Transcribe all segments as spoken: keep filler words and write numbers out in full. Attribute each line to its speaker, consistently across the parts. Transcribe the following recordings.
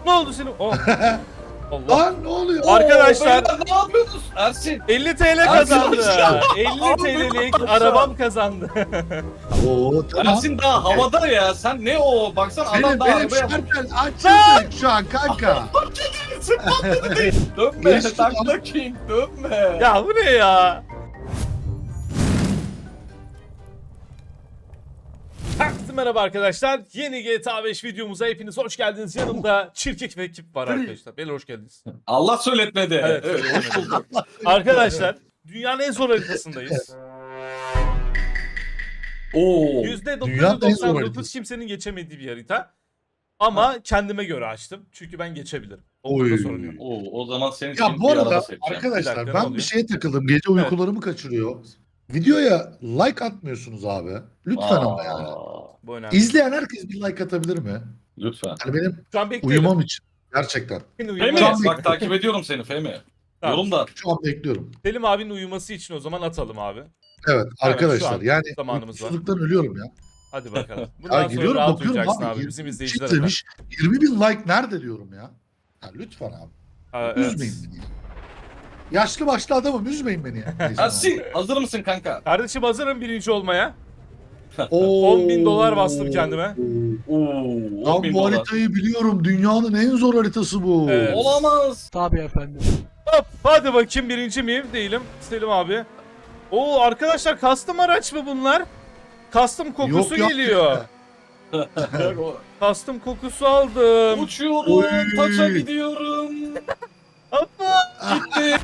Speaker 1: Ne oldu senin? Oh. Allah.
Speaker 2: Lan ne oluyor?
Speaker 1: Arkadaşlar
Speaker 3: Oo, beyler, ne yapıyorsunuz? Ersin.
Speaker 1: elli T L kazandı. elli T L'lik arabam kazandı.
Speaker 2: Oo tamam.
Speaker 3: Ersin daha havada ya. Sen ne o? Baksana adam
Speaker 2: Benim
Speaker 3: daha
Speaker 2: benim
Speaker 3: arabaya...
Speaker 2: şartel açıldı şu an kanka.
Speaker 3: Dönme.
Speaker 2: Geçti
Speaker 3: Takla King. Dönme.
Speaker 1: Ya bu ne ya? Herkese merhaba arkadaşlar. Yeni G T A beş videomuza hepiniz hoş geldiniz. Yanımda çirkek ve ekip var arkadaşlar. Beyler hoş geldiniz.
Speaker 3: Allah söyletmedi.
Speaker 1: Evet,
Speaker 3: Evet, hoş bulduk.
Speaker 1: Arkadaşlar dünyanın en zor haritasındayız.
Speaker 3: Oo.
Speaker 1: yüzde dokuz
Speaker 2: Dünyanın en
Speaker 1: yüz
Speaker 2: zor
Speaker 1: doksan dokuz
Speaker 2: haritası.
Speaker 1: kimsenin geçemediği bir harita. Ama kendime göre açtım. Çünkü ben geçebilirim. O
Speaker 2: Oy.
Speaker 1: konuda sorun yok.
Speaker 3: Oo, o zaman senin için
Speaker 2: Ya bu
Speaker 3: bir araba
Speaker 2: arada
Speaker 3: seçeceğim.
Speaker 1: Bir
Speaker 2: arkadaşlar
Speaker 1: dakika, ne
Speaker 2: ben
Speaker 1: oluyor?
Speaker 2: bir şeye takıldım. Gece uykularımı kaçırıyor. Videoya like atmıyorsunuz abi. Lütfen ama
Speaker 3: Aa,
Speaker 2: yani.
Speaker 1: Bu önemli.
Speaker 2: İzleyen herkes bir like atabilir mi?
Speaker 3: Lütfen.
Speaker 2: Yani benim
Speaker 1: Şu an bekliyorum.
Speaker 2: uyumam için. Gerçekten.
Speaker 1: Senin
Speaker 3: Femi,
Speaker 1: uyuman-
Speaker 2: Tamam.
Speaker 3: bak takip ediyorum seni Femi.
Speaker 1: Tamam.
Speaker 3: Yorumda.
Speaker 2: Şu an bekliyorum.
Speaker 1: Selim abinin uyuması için o zaman atalım abi.
Speaker 2: Evet
Speaker 1: şu
Speaker 2: arkadaşlar
Speaker 1: an
Speaker 2: yani
Speaker 1: zamanımız var.
Speaker 2: uykusuzluktan ölüyorum ya.
Speaker 1: Hadi bakalım.
Speaker 2: Ya
Speaker 1: Bundan sonra
Speaker 2: giriyorum
Speaker 1: rahat
Speaker 2: bakıyorum
Speaker 1: uyuyacaksın
Speaker 2: abi.
Speaker 1: abi.
Speaker 2: yirmi
Speaker 1: Bizim
Speaker 2: kişi
Speaker 1: izleyiciler
Speaker 2: izlemiş, yirmi bin like nerede diyorum ya. Ya lütfen abi.
Speaker 1: Ha, evet.
Speaker 2: Üzmeyin beni ya. Yaşlı başlı adamım üzmeyin beni ya. Neyse,
Speaker 3: Ersin hazır mısın kanka?
Speaker 1: Kardeşim hazırım birinci olmaya.
Speaker 2: Oo.
Speaker 1: on bin dolar bastım kendime.
Speaker 3: Oo,
Speaker 2: Lan
Speaker 3: on bin
Speaker 2: bu
Speaker 3: dolar.
Speaker 2: haritayı biliyorum. Dünyanın en zor haritası bu.
Speaker 1: Evet.
Speaker 3: Olamaz.
Speaker 4: Tabii efendim.
Speaker 1: Hop hadi bakayım birinci miyim? Değilim. Selim abi. Oo arkadaşlar custom araç mı bunlar? Custom kokusu
Speaker 2: Yok, yok.
Speaker 1: geliyor. Custom kokusu aldım.
Speaker 3: Uçuyorum,
Speaker 2: Oy.
Speaker 3: taça gidiyorum.
Speaker 1: Hoppa.
Speaker 3: Gitti.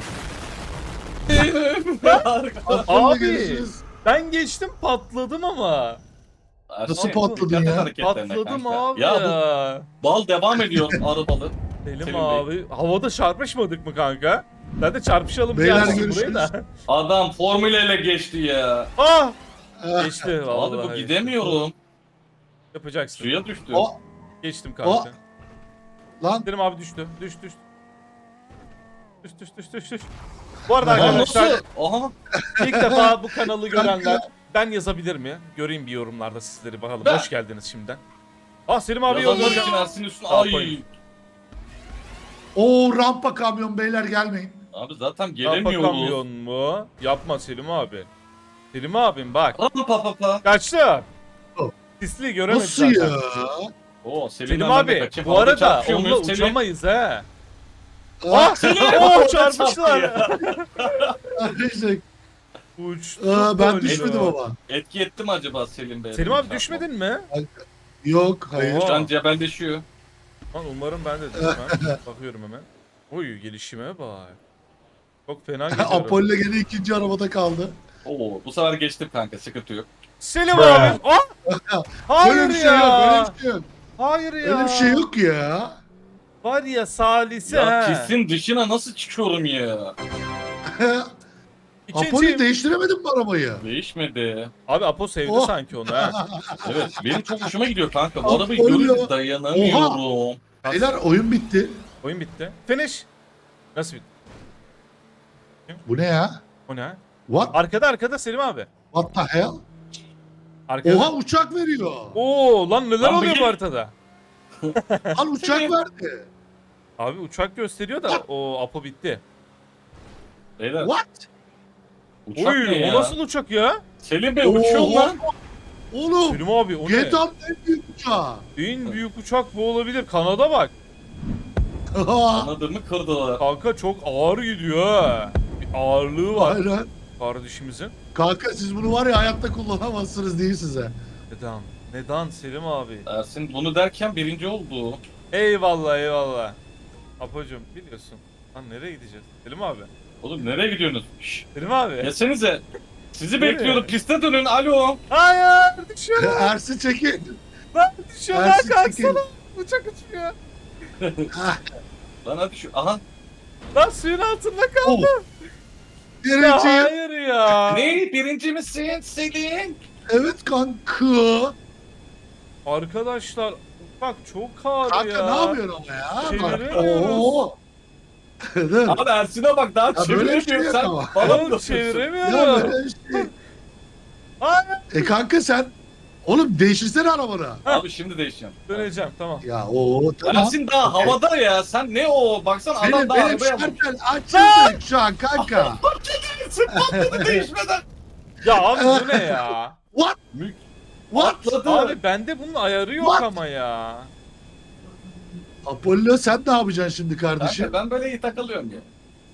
Speaker 2: Aklımda
Speaker 1: Abi.
Speaker 2: görüşürüz.
Speaker 1: Ben geçtim patladım ama.
Speaker 2: Nasıl
Speaker 3: Ersin,
Speaker 2: patladın
Speaker 3: dikkat et
Speaker 2: ya?
Speaker 3: hareketlerine
Speaker 1: Patladım
Speaker 3: kanka.
Speaker 1: abi
Speaker 3: Ya
Speaker 1: ya.
Speaker 3: bu bal devam ediyor arabalı.
Speaker 1: Selim
Speaker 3: Selim Bey.
Speaker 1: abi havada çarpışmadık mı kanka? Ben de çarpışalım diye
Speaker 2: Beyler,
Speaker 1: açtım burayı
Speaker 2: görüşürüz.
Speaker 1: da.
Speaker 3: Adam formüleyle geçti ya.
Speaker 1: Ah!
Speaker 2: Ah,
Speaker 1: Geçti vallahi.
Speaker 3: Abi bu gidemiyorum.
Speaker 1: Yapacaksın.
Speaker 3: Suya düştü.
Speaker 2: O
Speaker 1: Geçtim kanka.
Speaker 2: lan
Speaker 1: Selim abi düştü. Düş düş. Düş düş düş düş düş. Bu arada
Speaker 3: Lan
Speaker 1: arkadaşlar
Speaker 3: nasıl? Aha.
Speaker 1: ilk defa bu kanalı görenler ben yazabilir mi? Göreyim bir yorumlarda sizleri bakalım.
Speaker 3: Ben.
Speaker 1: Hoş geldiniz şimdiden. Ah Selim abi
Speaker 3: Yazanlar
Speaker 1: yollayacağım.
Speaker 3: için Ersin üstüne.
Speaker 1: Sağ
Speaker 3: Ay.
Speaker 1: koyun.
Speaker 2: o rampa kamyon beyler gelmeyin.
Speaker 3: Abi zaten
Speaker 1: Rampa
Speaker 3: gelemiyoruz.
Speaker 1: kamyon mu? Yapma Selim abi. Selim abim bak.
Speaker 3: Rampa pa pa.
Speaker 1: Kaçtı.
Speaker 2: Oh.
Speaker 1: Sisli göremedi
Speaker 2: Nasıl
Speaker 1: zaten.
Speaker 2: ya?
Speaker 3: Oo, Selim,
Speaker 1: Selim
Speaker 3: ben de
Speaker 1: abi
Speaker 3: kaçayım.
Speaker 1: bu
Speaker 3: Havada
Speaker 1: arada
Speaker 3: çarpışıyor
Speaker 1: onunla
Speaker 3: muyuz? Selim?
Speaker 1: uçamayız he.
Speaker 2: Ah,
Speaker 1: Oh çarpıştılar.
Speaker 2: arkadaşlar.
Speaker 1: Uçtu.
Speaker 2: Aa, ben
Speaker 1: böyle.
Speaker 2: düşmedim ama.
Speaker 3: Etki etti mi acaba Selim Bey?
Speaker 1: Selim abi düşmedin mi?
Speaker 2: Yok hayır.
Speaker 1: Oha.
Speaker 3: Şu an cebelleşiyor.
Speaker 1: Lan umarım ben de düşmem. Bakıyorum hemen. Oy gelişime bak. Çok fena gidiyorum.
Speaker 2: Apollo gene ikinci arabada kaldı.
Speaker 3: Oo, bu sefer geçtim kanka, sıkıntı yok.
Speaker 1: Selim abi. Ah! Hayır
Speaker 2: Böyle bir şey
Speaker 1: ya.
Speaker 2: yok, böyle bir şey yok.
Speaker 1: Hayır ya.
Speaker 2: Öyle bir şey yok ya.
Speaker 1: Var ya salisi
Speaker 3: Ya
Speaker 1: he.
Speaker 3: pistin dışına nasıl çıkıyorum ya?
Speaker 2: Apollo
Speaker 1: İkinciyim.
Speaker 2: değiştiremedin mi arabayı?
Speaker 3: Değişmedi.
Speaker 1: Abi Apo sevdi
Speaker 2: Oh.
Speaker 1: sanki onu ha.
Speaker 3: Evet, benim çok hoşuma gidiyor kanka. Bu
Speaker 2: Apollo.
Speaker 3: arabayı görünce dayanamıyorum.
Speaker 2: Beyler oyun bitti.
Speaker 1: Oyun bitti. Finish. Nasıl bitti?
Speaker 2: Bu ne ya?
Speaker 1: O ne?
Speaker 2: What?
Speaker 1: Arkada arkada Selim abi.
Speaker 2: What the hell?
Speaker 1: Arkada.
Speaker 2: Oha uçak veriyor.
Speaker 1: Oo lan neler
Speaker 3: Lan bu
Speaker 1: oluyor bu
Speaker 3: gel-
Speaker 1: haritada?
Speaker 2: Al uçak verdi.
Speaker 1: Abi uçak gösteriyor da o Apo bitti.
Speaker 3: Beyler,
Speaker 2: What?
Speaker 3: uçak
Speaker 1: Oy
Speaker 3: ne ya?
Speaker 1: o nasıl uçak ya?
Speaker 3: Selim Bey uçuyor
Speaker 2: Oha.
Speaker 3: lan.
Speaker 2: Oğlum.
Speaker 1: Selim abi o ne?
Speaker 2: G T A'nın en büyük uçağı.
Speaker 1: En büyük uçak bu olabilir. Kanada bak.
Speaker 3: Anladığımı kırdılar.
Speaker 1: Kanka çok ağır gidiyor ha. Bir ağırlığı var
Speaker 2: Aynen.
Speaker 1: kardeşimizin.
Speaker 2: Kanka siz bunu var ya hayatta kullanamazsınız değil size.
Speaker 1: Neden? Neden Selim abi?
Speaker 3: Ersin bunu derken birinci oldu.
Speaker 1: Eyvallah eyvallah. Apocuğum biliyorsun. Lan nereye gideceğiz? Selim abi.
Speaker 3: Oğlum nereye gidiyorsunuz? Şşş.
Speaker 1: Selim abi.
Speaker 3: Yesenize. Sizi
Speaker 1: Nereye?
Speaker 3: bekliyorum. Piste dönün. Alo.
Speaker 1: Hayır düşüyor.
Speaker 2: Ersin çekin.
Speaker 1: Lan düşüyor lan
Speaker 2: Ersin
Speaker 1: kalksana.
Speaker 2: çekil.
Speaker 1: Uçak uçuyor.
Speaker 2: Ah,
Speaker 3: Lan hadi şu. Aha.
Speaker 1: Lan suyun altında kaldı.
Speaker 2: oh.
Speaker 1: Ya
Speaker 2: Birinciyim.
Speaker 1: hayır ya.
Speaker 3: Ne? Birinci misin Selim?
Speaker 2: Evet kanka.
Speaker 1: Arkadaşlar bak çok ağır
Speaker 2: Kanka
Speaker 1: ya.
Speaker 2: ne yapıyorsun ama ya? Bak.
Speaker 1: Çeviremiyoruz.
Speaker 2: Oo. Dur.
Speaker 3: Abi Ersin'e bak daha
Speaker 2: Ya böyle bir şey
Speaker 3: çeviremiyor
Speaker 2: yok
Speaker 3: sen.
Speaker 2: ama.
Speaker 3: Falan
Speaker 1: Oğlum
Speaker 3: yapıyorsun.
Speaker 2: Ya
Speaker 1: çeviremiyorum.
Speaker 2: böyle bir şey.
Speaker 1: Hayır.
Speaker 2: E kanka sen Oğlum değiştirsene arabanı.
Speaker 3: Abi şimdi değişeceğim.
Speaker 1: Döneceğim tamam.
Speaker 2: Ya o tamam.
Speaker 3: Ersin daha havada ya. Sen ne o? Baksana adam
Speaker 2: Benim,
Speaker 3: daha
Speaker 2: benim
Speaker 3: arabaya almış.
Speaker 2: şartel açıldı şu an kanka.
Speaker 3: Patladı değişmeden.
Speaker 1: Ya abi bu ne ya?
Speaker 2: What?
Speaker 3: Mük.
Speaker 2: What?
Speaker 3: Patladı.
Speaker 1: Abi bende bunun ayarı yok
Speaker 2: What?
Speaker 1: ama ya.
Speaker 2: Apollo sen ne yapacaksın şimdi kardeşim?
Speaker 3: Kanka ben böyle iyi takılıyorum ya.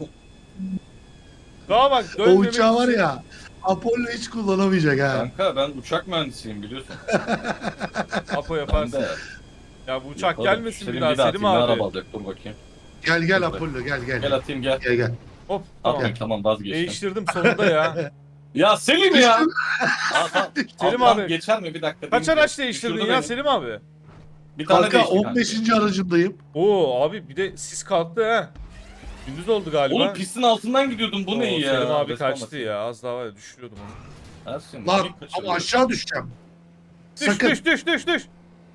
Speaker 1: Daha bak
Speaker 2: O
Speaker 1: dönmemek
Speaker 2: uçağı var
Speaker 1: için-
Speaker 2: ya. Apollo hiç kullanamayacak ha.
Speaker 3: Kanka ben uçak mühendisiyim biliyorsun.
Speaker 1: Apo
Speaker 3: Ben
Speaker 1: yaparsın.
Speaker 3: de.
Speaker 1: Ya bu uçak
Speaker 3: Yaparım.
Speaker 1: gelmesin
Speaker 3: Selim
Speaker 1: bir daha
Speaker 3: atayım,
Speaker 1: Selim
Speaker 3: ne
Speaker 1: abi.
Speaker 3: araba alacak dur bakayım.
Speaker 2: Gel gel Apollo gel gel.
Speaker 3: Gel atayım gel.
Speaker 2: Gel gel.
Speaker 1: Hop
Speaker 3: Tamam
Speaker 1: tamam.
Speaker 3: tamam vazgeçtim.
Speaker 1: Değiştirdim sonunda ya.
Speaker 3: Ya Selim ya. Aa, tamam.
Speaker 1: Selim
Speaker 3: Abi,
Speaker 1: abi.
Speaker 3: geçer mi bir dakika?
Speaker 1: Kaç
Speaker 3: Benim-
Speaker 1: araç değiştirdin
Speaker 3: düşürdü
Speaker 1: ya
Speaker 3: beni.
Speaker 1: Selim abi?
Speaker 3: Bir tane
Speaker 2: Kanka
Speaker 3: değişti
Speaker 2: on beşinci aracındayım.
Speaker 1: Oo abi bir de sis kalktı ha. Gündüz oldu galiba.
Speaker 3: Oğlum pistin altından gidiyordum bu
Speaker 1: Oo,
Speaker 3: ne ya?
Speaker 1: Selim abi
Speaker 3: Resmen
Speaker 1: kaçtı
Speaker 3: basayım.
Speaker 1: ya. Az daha var ya düşürüyordum onu.
Speaker 3: Ersin,
Speaker 2: Lan
Speaker 3: niye kaçırdın?
Speaker 2: ama aşağı düşeceğim.
Speaker 1: Düş
Speaker 2: Sakın.
Speaker 1: düş düş düş düş.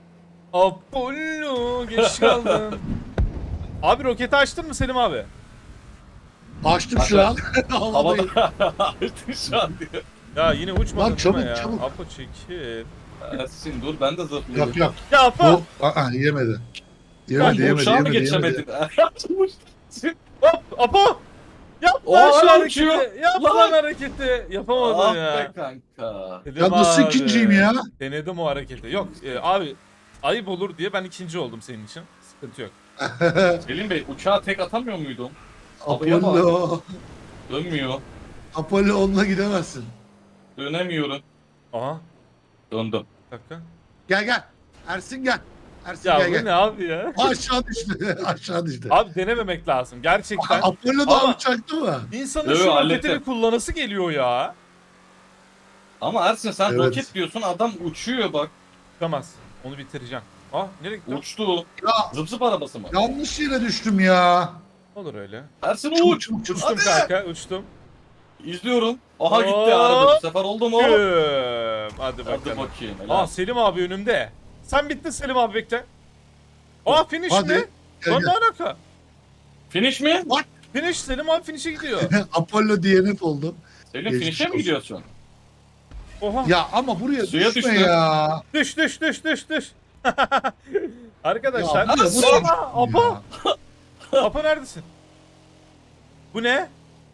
Speaker 1: Apollo geç kaldın. Abi roketi açtın mı Selim abi?
Speaker 2: Açtım
Speaker 3: Aç,
Speaker 2: şu an. Havadayım.
Speaker 3: Havada Ersin şu an diyor.
Speaker 1: Ya yine uçmadın
Speaker 2: Lan çabuk,
Speaker 1: değil mi ya?
Speaker 2: çabuk.
Speaker 1: Apo çekil.
Speaker 3: Ersin dur ben de zıplıyorum.
Speaker 2: Yok yok.
Speaker 1: Ya Apo.
Speaker 2: Bu aa, yemedi.
Speaker 3: Ben
Speaker 2: Yemedi
Speaker 3: bu
Speaker 2: yemedi
Speaker 3: uçağı mı
Speaker 2: yemedi.
Speaker 3: geçemedin?
Speaker 2: yemedi.
Speaker 1: Hop Apo. Yap
Speaker 3: O
Speaker 1: lan şu
Speaker 3: hala
Speaker 1: hareketi.
Speaker 3: uçuyor.
Speaker 1: Yap
Speaker 3: Lan.
Speaker 1: lan hareketi. Yapamadım
Speaker 3: Ah
Speaker 1: ya.
Speaker 3: be kanka.
Speaker 1: Dedim
Speaker 2: Ya nasıl
Speaker 1: abi,
Speaker 2: ikinciyim ya?
Speaker 1: Denedim o hareketi. Yok e, abi ayıp olur diye ben ikinci oldum senin için. Sıkıntı yok.
Speaker 3: Selim Bey uçağa tek atamıyor muydum? Havaya
Speaker 2: Apollo.
Speaker 3: Dönmüyor.
Speaker 2: Apollo onunla gidemezsin.
Speaker 3: Dönemiyorum.
Speaker 1: Aha.
Speaker 3: Döndüm.
Speaker 1: Bir dakika.
Speaker 2: Gel gel. Ersin gel. Ersin
Speaker 1: Ya
Speaker 2: gel
Speaker 1: bu
Speaker 2: gel.
Speaker 1: ne abi ya?
Speaker 2: Aşağı düştü. Aşağı düştü.
Speaker 1: Abi denememek lazım gerçekten.
Speaker 2: Apollo da
Speaker 1: Ama-
Speaker 2: uçaktı mı?
Speaker 1: İnsanın
Speaker 3: Yo, yo,
Speaker 1: şu roketi
Speaker 3: hallettim.
Speaker 1: bir kullanası geliyor ya.
Speaker 3: Ama Ersin sen
Speaker 2: Evet.
Speaker 3: roket diyorsun adam uçuyor bak.
Speaker 1: Çıkamaz. Onu bitireceğim. Ah nereye gitti? o?
Speaker 3: Uçtu.
Speaker 2: Ya
Speaker 3: Zıp zıp arabası mı?
Speaker 2: yanlış yere düştüm ya.
Speaker 1: Olur öyle.
Speaker 3: Ersin
Speaker 2: Çabuk
Speaker 3: uç.
Speaker 2: çabuk çabuk.
Speaker 1: Uçtum
Speaker 3: Hadi.
Speaker 1: kanka uçtum.
Speaker 3: İzliyorum. Aha gitti
Speaker 1: Hop.
Speaker 3: araba bu sefer oldu mu?
Speaker 1: Güm. Hadi
Speaker 3: Hadi
Speaker 1: bakalım.
Speaker 3: bakayım. helal.
Speaker 1: Aa Selim abi önümde. Sen bittin Selim abi bekle. Aa finish
Speaker 2: Hadi.
Speaker 1: mi?
Speaker 2: Gel,
Speaker 1: Lan ne
Speaker 2: gel.
Speaker 1: alaka?
Speaker 3: Finish mi?
Speaker 1: Finish Selim abi finish'e gidiyor.
Speaker 2: Apollo D N F oldu.
Speaker 3: Selim
Speaker 2: Geçmiş
Speaker 3: finish'e mi
Speaker 2: olsun.
Speaker 3: gidiyorsun?
Speaker 1: Oha.
Speaker 2: Ya ama buraya
Speaker 3: Suya
Speaker 2: düşme
Speaker 3: düştü.
Speaker 2: ya.
Speaker 1: Düş düş düş düş düş. Arkadaşlar.
Speaker 2: Ya buraya nasıl
Speaker 1: Aa,
Speaker 2: düştün
Speaker 1: Apo.
Speaker 2: ya?
Speaker 1: Apo neredesin? Bu ne?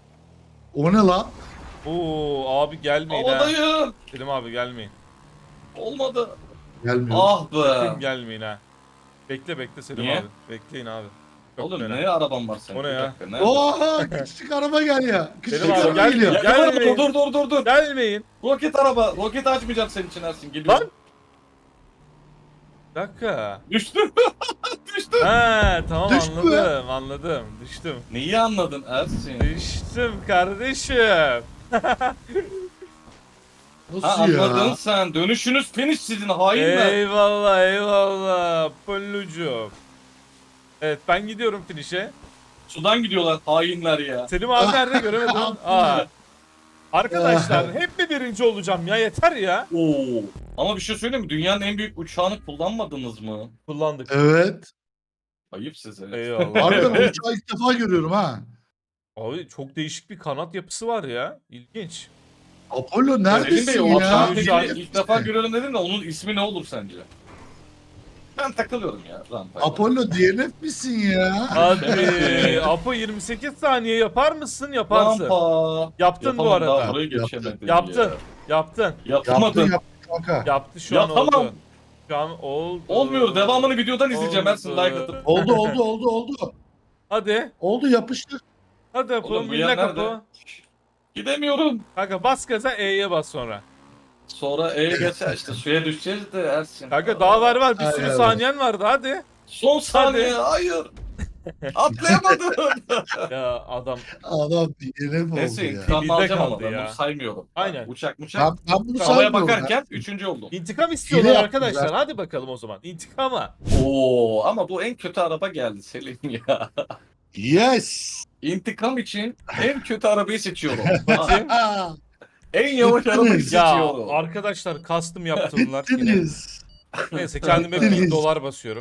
Speaker 2: O ne lan?
Speaker 1: Oo abi gelmeyin ha.
Speaker 3: Havadayım.
Speaker 1: Selim abi gelmeyin.
Speaker 3: Olmadı.
Speaker 2: Gelmiyor.
Speaker 3: Ah
Speaker 1: Sakın
Speaker 3: be.
Speaker 1: gelmeyin ha. Bekle bekle Selim
Speaker 3: Niye?
Speaker 1: abi. Bekleyin abi. Çok
Speaker 3: Oğlum
Speaker 1: fena.
Speaker 3: ne araban var senin?
Speaker 1: O ne
Speaker 3: Bir
Speaker 1: ya?
Speaker 3: dakika, ne?
Speaker 2: Oha küçük araba gel ya. Küçük
Speaker 1: Selim abi,
Speaker 2: araba
Speaker 1: gel
Speaker 2: geliyor.
Speaker 1: ya.
Speaker 3: Ya, dur,
Speaker 1: Gelmeyin.
Speaker 3: dur dur dur dur.
Speaker 1: Gelmeyin.
Speaker 3: Roket araba. Roket açmayacağım senin için Ersin. Geliyorum.
Speaker 1: Lan. Bir dakika.
Speaker 3: Düştü. Düştü.
Speaker 1: Ha tamam
Speaker 2: Düştü mü?
Speaker 1: anladım anladım. Düştüm.
Speaker 3: Neyi anladın Ersin?
Speaker 1: Düştüm kardeşim.
Speaker 3: Ha
Speaker 2: Nasıl
Speaker 3: anladın
Speaker 2: ya?
Speaker 3: sen. Dönüşünüz finish sizin hainler.
Speaker 1: Eyvallah eyvallah. Pollucu. Evet ben gidiyorum finish'e.
Speaker 3: Sudan gidiyorlar hainler ya.
Speaker 1: Selim abi nerede göremedim. Aa. Arkadaşlar hep mi birinci olacağım ya yeter ya.
Speaker 3: Oo. Ama bir şey söyleyeyim mi? Dünyanın en büyük uçağını kullanmadınız mı?
Speaker 1: Kullandık.
Speaker 2: Evet.
Speaker 3: Ayıp size.
Speaker 1: Eyvallah.
Speaker 2: Harbiden o uçağı ilk defa görüyorum ha.
Speaker 1: Abi çok değişik bir kanat yapısı var ya. İlginç.
Speaker 2: Apollo
Speaker 3: Selim Bey
Speaker 2: neredesin
Speaker 3: o
Speaker 2: ya?
Speaker 3: uçağı
Speaker 1: Şu an-
Speaker 3: peki ilk defa görüyorum dedin de onun ismi ne olur sence? Ben takılıyorum ya rampayla.
Speaker 2: Apollo D N F misin ya?
Speaker 1: Hadi. Apo yirmi sekiz saniye yapar mısın? Yaparsın.
Speaker 3: Rampa.
Speaker 1: Yaptın bu
Speaker 3: Yapamadım, daha
Speaker 1: arada.
Speaker 3: burayı geçemedim
Speaker 1: Yaptın.
Speaker 3: ya.
Speaker 1: Yaptın.
Speaker 3: Yapamadım.
Speaker 2: Yaptın yaptın kanka.
Speaker 1: Yaptı şu an
Speaker 3: Yapamam.
Speaker 1: oldu. Şu an oldu.
Speaker 3: Olmuyor. Devamını videodan izleyeceğim
Speaker 1: Oldu.
Speaker 3: Ersin like atıp.
Speaker 2: Oldu oldu oldu oldu.
Speaker 1: Hadi.
Speaker 2: Oldu yapıştır.
Speaker 1: Hadi Apo.
Speaker 3: Oğlum bu
Speaker 1: Minne
Speaker 3: yer
Speaker 1: kapı.
Speaker 3: nerede? Gidemiyorum.
Speaker 1: Kanka bas gaza E'ye bas sonra.
Speaker 3: Sonra E'ye geçer işte suya düşeceğiz de Ersin.
Speaker 1: Kanka daha var var. Bir
Speaker 2: Ay,
Speaker 1: sürü
Speaker 2: ay, ay.
Speaker 1: saniyen vardı hadi.
Speaker 3: Son saniye hayır. Atlayamadım.
Speaker 1: Ya adam.
Speaker 2: Adam D N F oldu
Speaker 3: Neyse
Speaker 2: ya.
Speaker 3: intikamımı
Speaker 1: Bizde
Speaker 3: alacağım ama
Speaker 1: kaldı
Speaker 3: ben
Speaker 1: ya.
Speaker 3: bunu saymıyorum.
Speaker 1: Aynen.
Speaker 3: Uçak muçak.
Speaker 2: Ben, ben bunu
Speaker 3: Havaya
Speaker 2: saymıyorum.
Speaker 3: bakarken üçüncü oldum.
Speaker 1: İntikam istiyorlar
Speaker 2: Hile
Speaker 1: arkadaşlar.
Speaker 2: yaptılar.
Speaker 1: Hadi bakalım o zaman. İntikama.
Speaker 3: Oo ama bu en kötü araba geldi Selim ya.
Speaker 2: Yes.
Speaker 3: İntikam için en kötü arabayı seçiyorum.
Speaker 1: Bakayım.
Speaker 2: Aa,
Speaker 3: En yavaş arabayı
Speaker 2: Bittiniz.
Speaker 1: Ya
Speaker 3: seçiyorum.
Speaker 1: arkadaşlar custom yaptırdılar yine.
Speaker 2: bittiniz.
Speaker 1: Neyse kendime
Speaker 2: Bittiniz.
Speaker 1: bin dolar basıyorum.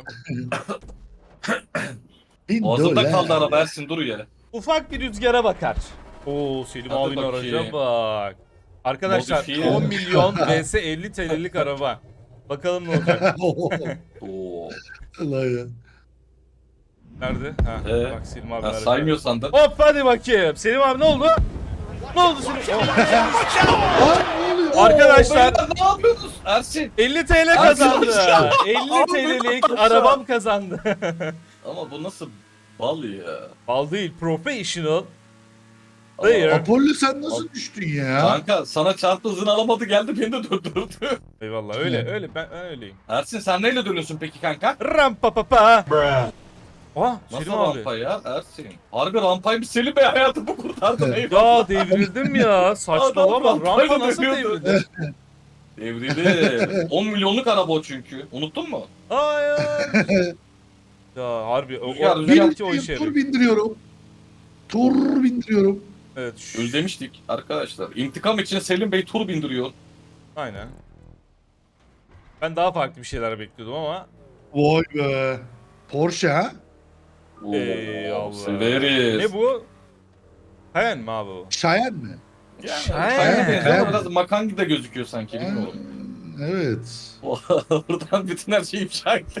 Speaker 2: Bin
Speaker 3: Boğazımda
Speaker 2: dolar.
Speaker 3: kaldı araba Ersin dur ya.
Speaker 1: Ufak bir rüzgara bakar. Oo Selim
Speaker 3: Hadi
Speaker 1: abinin
Speaker 3: bakayım.
Speaker 1: araca bak. Arkadaşlar
Speaker 3: Modifiye.
Speaker 1: on milyon vs elli T L'lik araba. Bakalım ne olacak.
Speaker 3: Oo.
Speaker 2: Allah ya.
Speaker 1: Nerede? Ha,
Speaker 3: Ee,
Speaker 1: bak Selim abi.
Speaker 3: Ha,
Speaker 1: nerede?
Speaker 3: saymıyorsan da.
Speaker 1: Hop hadi bakayım. Selim abi ne oldu? Ne oldu Selim? Oh.
Speaker 2: Lan ne oluyor?
Speaker 1: Arkadaşlar
Speaker 3: Oo, beyler, ne yapıyorsunuz? Ersin.
Speaker 1: elli T L kazandı.
Speaker 3: Arkadaşlar.
Speaker 1: elli
Speaker 3: Abi,
Speaker 1: T L'lik
Speaker 3: arkadaşlar.
Speaker 1: arabam kazandı.
Speaker 3: Ama bu nasıl bal ya?
Speaker 1: Bal değil, professional.
Speaker 3: Aa,
Speaker 1: Player.
Speaker 2: Apollo sen nasıl düştün ya?
Speaker 3: Kanka sana çarptı hızını alamadı geldi beni de döndürdü.
Speaker 1: Eyvallah öyle öyle ben, ben öyleyim.
Speaker 3: Ersin sen neyle dönüyorsun peki kanka?
Speaker 1: Rampa pa pa. Aa
Speaker 3: Nasıl
Speaker 1: Selim abi.
Speaker 3: rampa ya Ersin? Harbi rampaymış Selim Bey hayatımı kurtardın eyvallah.
Speaker 1: Ya devrildim ya. Saçmalama.
Speaker 3: Adam
Speaker 1: Rampa
Speaker 3: rampayla
Speaker 1: nasıl
Speaker 3: dönüyordu.
Speaker 1: devrildi?
Speaker 3: Devrildi. on milyonluk araba o çünkü. Unuttun mu?
Speaker 1: Hayır. Ya harbi o,
Speaker 3: Rüzgar,
Speaker 1: o,
Speaker 3: rüzgar.
Speaker 1: belki o işe
Speaker 2: Tur
Speaker 1: yarıyor.
Speaker 2: bindiriyorum. Tur bindiriyorum.
Speaker 1: Evet. şu-
Speaker 3: Özlemiştik arkadaşlar. İntikam için Selim Bey tur bindiriyor.
Speaker 1: Aynen. Ben daha farklı bir şeyler bekliyordum ama
Speaker 2: Vay be. Porsche ha?
Speaker 3: Oo,
Speaker 1: eyvallah.
Speaker 3: severiz.
Speaker 1: Ne bu? Cayenne mi abi o?
Speaker 2: Cheyenne mi?
Speaker 3: Yani,
Speaker 1: Şahane.
Speaker 3: Şahane benziyor ama
Speaker 2: Şahane.
Speaker 3: biraz makangi de gözüküyor sanki bilmiyorum.
Speaker 2: Evet.
Speaker 3: Buradan bütün her şeyi ifşa etti.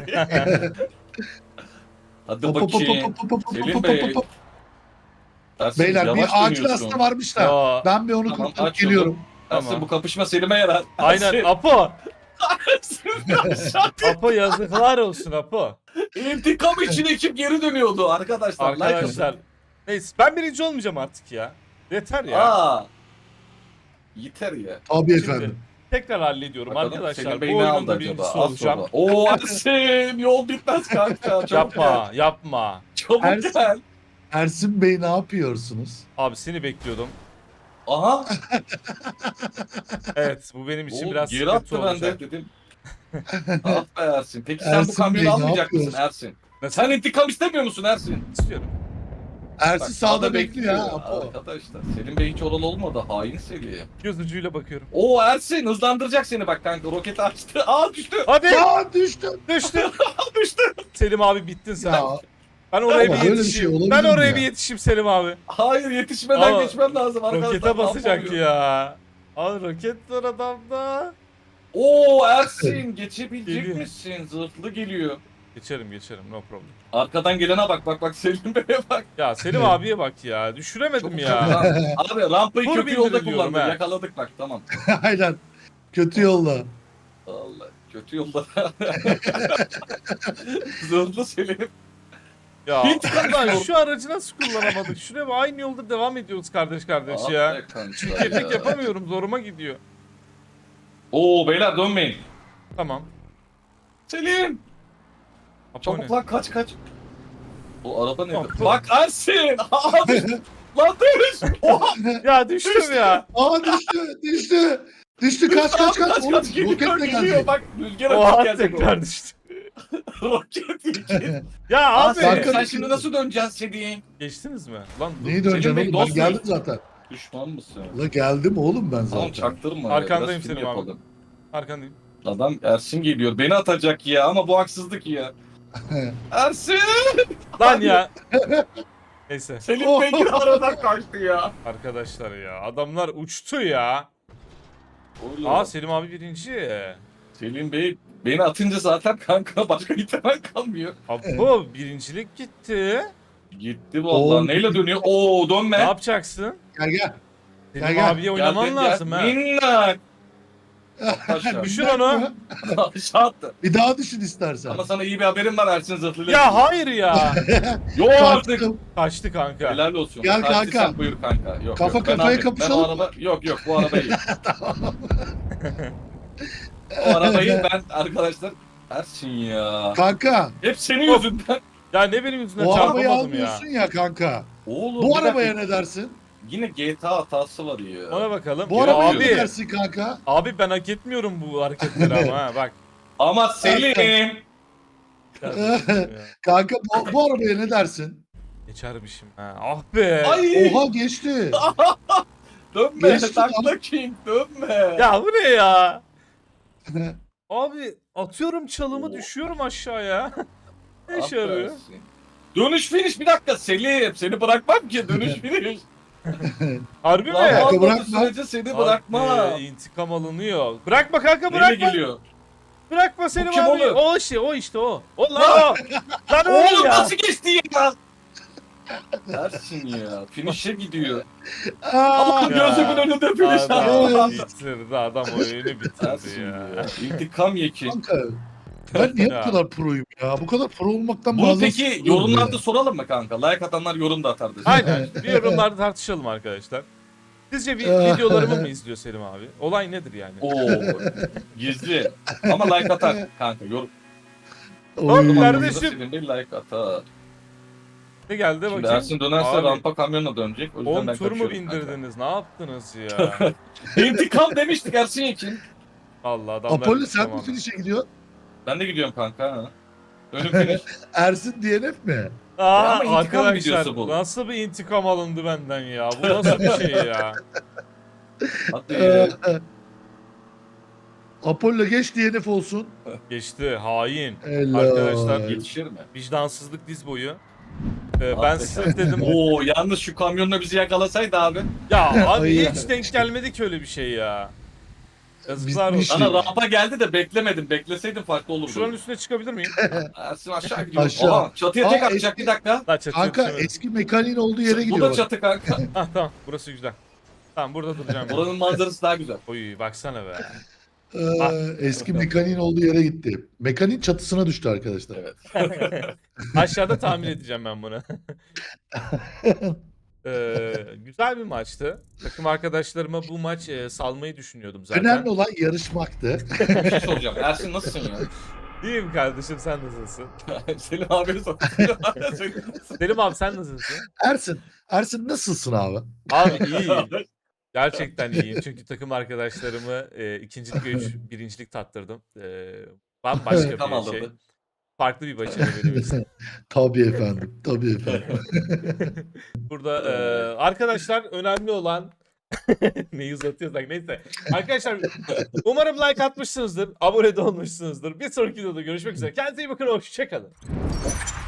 Speaker 3: Hadi
Speaker 2: Hop, hop, hop,
Speaker 3: bakayım.
Speaker 2: hop, hop, hop, hop,
Speaker 3: Selim
Speaker 2: hop,
Speaker 3: Bey.
Speaker 2: hop, hop.
Speaker 3: Ersin,
Speaker 2: Beyler
Speaker 3: yavaş
Speaker 2: bir ağacın
Speaker 3: dönüyorsun.
Speaker 2: aslında varmış da.
Speaker 1: Ya
Speaker 2: Ben bir onu
Speaker 3: Tamam,
Speaker 2: kurtarıp
Speaker 3: aç yolu.
Speaker 2: geliyorum.
Speaker 3: Ersin
Speaker 1: Tamam.
Speaker 3: bu kapışma Selim'e yarar.
Speaker 1: aynen
Speaker 3: Ersin,
Speaker 1: Apo.
Speaker 3: Ersin,
Speaker 1: Apo yazıklar olsun Apo.
Speaker 3: İntikam için ekip geri dönüyordu arkadaşlar. like atın.
Speaker 1: Arkadaşlar. Neyse ben birinci olmayacağım artık ya. Yeter ya.
Speaker 3: Aa. Yeter ya.
Speaker 2: Tabii
Speaker 1: Şimdi
Speaker 2: efendim.
Speaker 1: tekrar hallediyorum
Speaker 3: Bakalım
Speaker 1: arkadaşlar.
Speaker 3: Selim
Speaker 1: Bu
Speaker 3: Bey ne
Speaker 1: oyunun
Speaker 3: aldı
Speaker 1: da
Speaker 3: acaba?
Speaker 1: birincisi
Speaker 3: Az
Speaker 1: olacağım.
Speaker 3: sonra. Oo Ersin yol bitmez kanka. Çabuk
Speaker 1: Yapma
Speaker 3: gel.
Speaker 1: yapma.
Speaker 3: Çabuk
Speaker 2: Ersin.
Speaker 3: gel.
Speaker 2: Ersin Bey ne yapıyorsunuz?
Speaker 1: Abi seni bekliyordum.
Speaker 3: Aha.
Speaker 1: Evet bu benim için
Speaker 3: Oo,
Speaker 1: biraz
Speaker 3: geri
Speaker 1: sıkıntı
Speaker 3: attı ben
Speaker 1: olacak.
Speaker 3: de dedim. ah be Ersin. Peki sen bu
Speaker 2: Ersin
Speaker 3: kamyonu
Speaker 2: Bey, ne
Speaker 3: almayacak mısın
Speaker 2: yapıyorsun?
Speaker 3: Ersin?
Speaker 1: Nasıl?
Speaker 3: Sen intikam istemiyor musun Ersin?
Speaker 1: İstiyorum.
Speaker 2: Ersin
Speaker 3: Bak,
Speaker 2: sağda bekliyor ha. Apo.
Speaker 3: Arkadaşlar Selim Bey hiç oralı olmadı. Hain Selim.
Speaker 1: Göz ucuyla bakıyorum.
Speaker 3: Oo Ersin hızlandıracak seni bak kanka. Roketi açtı. Aa düştü.
Speaker 1: Hadi
Speaker 2: Ya düştüm.
Speaker 1: düştü.
Speaker 3: düştü.
Speaker 1: Selim abi bittin sen.
Speaker 2: Ya
Speaker 1: Ben oraya
Speaker 2: Ama
Speaker 1: bir
Speaker 2: böyle bir
Speaker 1: yetişeyim.
Speaker 2: şey olabilir
Speaker 1: ben
Speaker 2: mi
Speaker 1: oraya
Speaker 2: ya?
Speaker 1: bir yetişeyim Selim abi.
Speaker 3: Hayır yetişmeden
Speaker 1: Ama
Speaker 3: geçmem lazım arkadaşlar.
Speaker 1: Rokete
Speaker 3: Ne
Speaker 1: basacak
Speaker 3: yapamıyorum?
Speaker 1: ya. Al roket var adamda.
Speaker 3: Oo Ersin geçebilecek
Speaker 1: Geliyor.
Speaker 3: misin? Zırhlı geliyor.
Speaker 1: Geçerim geçerim no problem.
Speaker 3: Arkadan gelene bak bak bak Selim Bey'e bak.
Speaker 1: Ya Selim abiye bak ya. Düşüremedim
Speaker 3: Çok
Speaker 1: ya.
Speaker 3: güzel. Abi rampayı
Speaker 1: Tur
Speaker 3: kötü yolda
Speaker 1: bindiriyorum
Speaker 3: kullandı.
Speaker 1: ha.
Speaker 3: Yakaladık bak tamam.
Speaker 2: aynen. Kötü yolla.
Speaker 3: Allah kötü yolda. Zırhlı Selim.
Speaker 1: Ya
Speaker 3: İntikam
Speaker 1: ulan
Speaker 3: istiyorum.
Speaker 1: şu aracı nasıl kullanamadık? Şuraya bak, aynı yolda devam ediyoruz kardeş kardeş
Speaker 3: Ah
Speaker 1: ya.
Speaker 3: be kanka
Speaker 1: Çirkeflik
Speaker 3: ya.
Speaker 1: yapamıyorum zoruma gidiyor.
Speaker 3: Oo beyler dönmeyin.
Speaker 1: Tamam.
Speaker 3: Selim.
Speaker 1: Apo
Speaker 3: Çabuk
Speaker 1: ne?
Speaker 3: lan kaç kaç. O araba ne?
Speaker 1: Tamam.
Speaker 3: Bak Ersin. Aa düştü. Lan düş. Oha.
Speaker 1: Ya düştüm ya.
Speaker 2: Aa düştü. Düştü. Düştü kaç kaç kaç.
Speaker 3: Kaç
Speaker 2: Oğlum
Speaker 3: kaç geliyor
Speaker 2: roketle
Speaker 3: geliyor.
Speaker 2: gelecek.
Speaker 3: Bak rüzgar
Speaker 1: Oha
Speaker 3: atıp gelecek o.
Speaker 1: tekrar düştü.
Speaker 3: Roket yiyecek.
Speaker 1: Ya
Speaker 3: Aa,
Speaker 1: abi.
Speaker 3: Selim,
Speaker 2: Kanka-
Speaker 3: sen şimdi nasıl döneceksin Selim?
Speaker 1: Geçtiniz mi? Lan dur.
Speaker 2: Neyi döneceksin
Speaker 3: Bey,
Speaker 2: oğlum?
Speaker 3: dost
Speaker 2: Ben geldim
Speaker 3: muyuz?
Speaker 2: zaten.
Speaker 3: Düşman mısın?
Speaker 2: La geldim oğlum ben
Speaker 3: Tamam
Speaker 2: zaten.
Speaker 3: çaktırma.
Speaker 1: Arkandayım
Speaker 3: ya, biraz film
Speaker 1: Selim abi.
Speaker 3: yapalım.
Speaker 1: Arkandayım.
Speaker 3: Adam Ersin geliyor. Beni atacak ya ama bu haksızlık ya. Ersin!
Speaker 1: Lan ya. Neyse
Speaker 3: Selim Bey yine aradan kaçtı ya.
Speaker 1: arkadaşlar ya. Adamlar uçtu ya.
Speaker 3: Oğlum,
Speaker 1: Aa Selim abi birinci.
Speaker 3: Selim Bey beni atınca zaten kanka başka ihtimal kalmıyor.
Speaker 1: Apo birincilik gitti.
Speaker 3: Gitti vallahi.
Speaker 2: Oğlum.
Speaker 3: Neyle dönüyor? Oo dönme.
Speaker 1: Ne yapacaksın?
Speaker 2: Gel gel.
Speaker 1: Selim
Speaker 2: Gel, gel.
Speaker 1: abiye oynaman lazım ha.
Speaker 3: Minnak. Aşağı.
Speaker 1: Düşün onu.
Speaker 3: Aşağı attı.
Speaker 2: Bir daha düşün istersen.
Speaker 3: Ama sana iyi bir haberim var Ersin zırhlıyla.
Speaker 1: Ya hayır ya.
Speaker 3: Yok artık.
Speaker 2: Kaçtım.
Speaker 1: Kaçtı kanka.
Speaker 3: Helal olsun.
Speaker 2: Gel
Speaker 3: Taksi
Speaker 2: kanka.
Speaker 3: sen buyur kanka. Yok,
Speaker 2: Kafa
Speaker 3: yok. Ben
Speaker 2: kafaya
Speaker 3: abi-
Speaker 2: kapışalım
Speaker 3: Ben o araba... Yok yok bu araba iyi. O arabayı ben arkadaşlar Ersin ya.
Speaker 2: Kanka
Speaker 3: Hep senin yüzünden.
Speaker 1: Ya ne benim yüzümden
Speaker 2: bu arabayı
Speaker 1: çarpamadım ya.
Speaker 2: almıyorsun ya kanka.
Speaker 3: Oğlum
Speaker 2: Bu
Speaker 3: bir
Speaker 2: arabaya
Speaker 3: dakika.
Speaker 2: ne dersin?
Speaker 3: Yine G T A hatası var ya.
Speaker 1: Ona bakalım.
Speaker 2: Bu
Speaker 1: Ya
Speaker 2: arabaya
Speaker 1: abi,
Speaker 2: ne dersin kanka?
Speaker 1: abi ben hak etmiyorum bu hareketleri ama ha bak.
Speaker 3: Ama Selim.
Speaker 1: Ya,
Speaker 2: Kanka bu, bu arabaya ne dersin?
Speaker 1: geçermişim ha. Ah be.
Speaker 3: Ay.
Speaker 2: Oha geçti.
Speaker 3: Dönme.
Speaker 2: Geçti
Speaker 3: Takla King dönme.
Speaker 1: Ya bu ne ya? Abi atıyorum çalımı düşüyorum aşağıya. Ne işe yarıyor?
Speaker 3: Aferin. Dönüş finish bir dakika Selim. Seni bırakmam ki dönüş finish.
Speaker 1: Harbi mi?
Speaker 3: Lan
Speaker 2: Kanka
Speaker 3: olmadığı
Speaker 2: bırakma.
Speaker 3: sürece seni bırakma.
Speaker 1: Abi, intikam alınıyor. Bırakma kanka
Speaker 3: Neyle
Speaker 1: bırakma.
Speaker 3: geliyor?
Speaker 1: Bırakma Selim
Speaker 3: kim
Speaker 1: abi.
Speaker 3: oğlum?
Speaker 1: O işte o işte o. O lan o. Lan o
Speaker 3: Oğlum
Speaker 1: ya.
Speaker 3: nasıl geçti ya? Dersin ya. Finish'e gidiyor.
Speaker 2: Aa,
Speaker 3: Allah'ım
Speaker 1: Ya.
Speaker 3: gözümün önünde finish
Speaker 1: Adam
Speaker 3: yaptı.
Speaker 1: bitirdi. Adam oyunu bitirdi
Speaker 3: Dersin
Speaker 1: ya.
Speaker 3: ya. İntikam yeki.
Speaker 2: kanka. Ben niye
Speaker 1: Ya.
Speaker 2: bu kadar proyum ya? Bu kadar pro olmaktan
Speaker 3: Bunu
Speaker 2: bazen
Speaker 3: peki
Speaker 2: sıkılıyorum
Speaker 3: yorumlarda
Speaker 2: ya.
Speaker 3: soralım mı kanka? Like atanlar yorum da atardı.
Speaker 1: Aynen. Bir yorumlarda tartışalım arkadaşlar. Sizce bir videolarımı mı izliyor Selim abi? Olay nedir yani?
Speaker 3: Oo. Gizli. Ama like atar kanka. Yorum.
Speaker 2: Oy.
Speaker 1: Hop, kardeşim.
Speaker 3: Senin bir like atar.
Speaker 1: Ne geldi
Speaker 3: Şimdi
Speaker 1: bakayım?
Speaker 3: Ersin dönerse
Speaker 1: Abi,
Speaker 3: rampa kamyonla dönecek. O yüzden
Speaker 1: on
Speaker 3: ben
Speaker 1: tur mu
Speaker 3: kaçıyorum kanka.
Speaker 1: bindirdiniz? Ne yaptınız ya?
Speaker 3: İntikam demiştik Ersin Yekin.
Speaker 1: Allah adamlar.
Speaker 2: Apollo sen mi
Speaker 1: tamam.
Speaker 2: finish'e gidiyorsun?
Speaker 3: Ben de gidiyorum kanka. Ha. Önüm finish.
Speaker 2: Ersin D N F mi?
Speaker 1: Aa,
Speaker 3: ama intikam
Speaker 1: arkadaşlar
Speaker 3: videosu bu.
Speaker 1: nasıl bir intikam alındı benden ya? Bu nasıl bir şey ya?
Speaker 3: Hadi.
Speaker 2: Ee, Apollo geç D N F olsun.
Speaker 1: Geçti hain.
Speaker 2: Helal.
Speaker 1: Arkadaşlar,
Speaker 3: Yetişir mi?
Speaker 1: Vicdansızlık diz boyu. Ee, ben
Speaker 3: Abi.
Speaker 1: size dedim.
Speaker 3: Oo yalnız şu kamyonla bizi yakalasaydı abi.
Speaker 1: Ya abi
Speaker 2: Ay
Speaker 1: hiç
Speaker 2: ya.
Speaker 1: denk gelmedi ki öyle bir şey ya. Yazıklar
Speaker 2: Bitmiş.
Speaker 1: olsun.
Speaker 3: Ana rampa geldi de beklemedim. Bekleseydim farklı olurdu.
Speaker 1: Şuranın üstüne çıkabilir miyim?
Speaker 3: Ersin aşağı gidiyor.
Speaker 2: Aşağı.
Speaker 3: Aha, çatıya tek
Speaker 2: Aa,
Speaker 3: atacak
Speaker 2: eski-
Speaker 3: bir dakika.
Speaker 1: Lan çatıya
Speaker 2: Kanka
Speaker 1: düşemedim.
Speaker 2: eski mekaniğin olduğu yere
Speaker 3: Bu
Speaker 2: gidiyor.
Speaker 3: da
Speaker 2: bak.
Speaker 3: çatı kanka.
Speaker 1: Ah tamam, burası güzel. Tamam, burada duracağım. ben.
Speaker 3: Buranın manzarası daha güzel.
Speaker 1: Oy baksana be.
Speaker 2: Ee, eski mekaniğin olduğu yere gitti. Mekaniğin çatısına düştü arkadaşlar.
Speaker 3: Evet.
Speaker 1: Aşağıda tahmin edeceğim ben bunu. Ee, güzel bir maçtı. Takım arkadaşlarıma bu maç e, salmayı düşünüyordum zaten.
Speaker 2: Önemli olan yarışmaktı.
Speaker 3: Bir şey soracağım. Ersin nasılsın ya?
Speaker 1: İyiyim kardeşim, sen nasılsın?
Speaker 3: Selim abini sor. Selim abi nasılsın?
Speaker 1: Selim abi sen nasılsın?
Speaker 2: Ersin, Ersin nasılsın abi?
Speaker 1: Abi iyiyim. Gerçekten iyiyim. Çünkü takım arkadaşlarımı e, ikincilik ve üç, birincilik tattırdım. E, bambaşka
Speaker 3: Tam
Speaker 1: bir şey.
Speaker 3: aldırdı.
Speaker 1: Farklı bir başarı benim için.
Speaker 2: Tabii efendim, tabii efendim.
Speaker 1: Burada e, arkadaşlar önemli olan neyi uzatıyorsak neyse. Arkadaşlar umarım like atmışsınızdır. Abone de olmuşsunuzdur. Bir sonraki videoda görüşmek üzere. Kendinize iyi bakın. Hoşçakalın.